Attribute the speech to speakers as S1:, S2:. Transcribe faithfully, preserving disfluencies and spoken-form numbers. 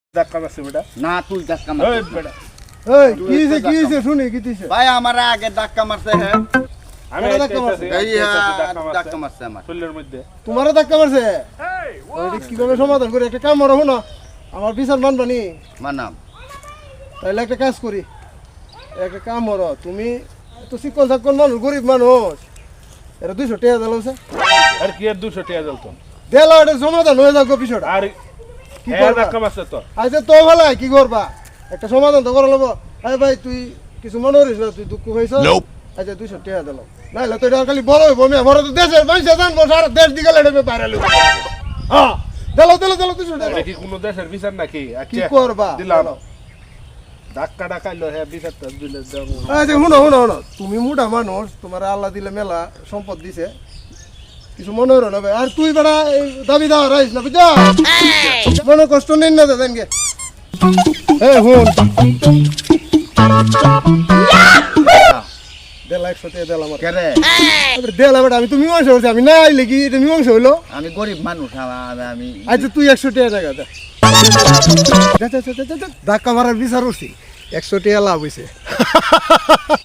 S1: ধাক্কা মারছে বেটা
S2: না তুই ধাক্কা
S1: ওই
S2: মারছিস
S1: বেটা
S3: এই কি হইছে কি হইছে শুনি কি হইছে
S2: ভাই আমার আগে ধাক্কা মারছে হ্যাঁ
S1: আমি
S3: বেটা
S1: ধাক্কা
S3: ধাক্কা
S1: মারছি
S3: মারছে।
S2: এই হ্যাঁ, ধাক্কা মারছে আমার
S1: শরীরের মধ্যে
S3: তোমারও ধাক্কা মারছে ওইটা কিভাবে সমাধান করি একটা কাম করো না আমার বিচার মানবানি
S2: মানাম
S3: তাইলে একটা কাজ করি একটা কাম করো তুমি তো চিকন চাকন মানুষ গরিব মানুষ এটা দুইশো টাকা দিলাম
S1: আর কি আর দুশো টাকা জ্বলতো
S3: দিলাম এটা সমাধান হয়ে যাক বিষয়টা
S1: আর
S3: কি
S1: হ্যাঁ
S3: করবা?
S1: ধাক্কা মারছে তো
S3: আচ্ছা তো ভালো কি করবা একটা সমাধান তো করা লাগবো আরে ভাই তুই কিছু মনে করিস না তুই দুঃখ হয়েছ আচ্ছা দুইশো টাকা দিলাম নাইলে তো এটা খালি বড় হইব আমি বড় তো দেশের মানুষ জানবো সারা দেশ দিকে লেড়ে বাইরে লইব হ্যাঁ দিলো দিলো দিলো দুইশো টাকা
S1: এটা কি কোনো দেশের বিচার নাকি
S3: কি
S1: আচ্ছা
S3: করবা
S1: দিলাম
S3: বলো।
S1: ধাক্কা ডাকাইলো হ্যাঁ বিচারটা দিলে দাও
S3: আচ্ছা শুনো শুনো শুনো তুমি মোটা মানুষ তোমার আল্লাহ দিলে মেলা সম্পদ দিছে কিছু মনে হলো না ভাই আর তুই বেড়া এই দাবি দাওয়া রাইস না বুঝা মনে কষ্ট নেই না দাদা কে এই হুন দেড় লাখ সত্যি দেড় আমার
S2: কেরে
S3: দেড় লাখ আমি তুমি মীমাংসা হয়েছে আমি না আইলে কি এটা মীমাংসা হইলো
S2: আমি গরিব মানুষ আমি আমি
S3: আচ্ছা তুই একশো টাকা টাকা দে ধাক্কা মারার বিচার করছি একশো টাকা লাভ হয়েছে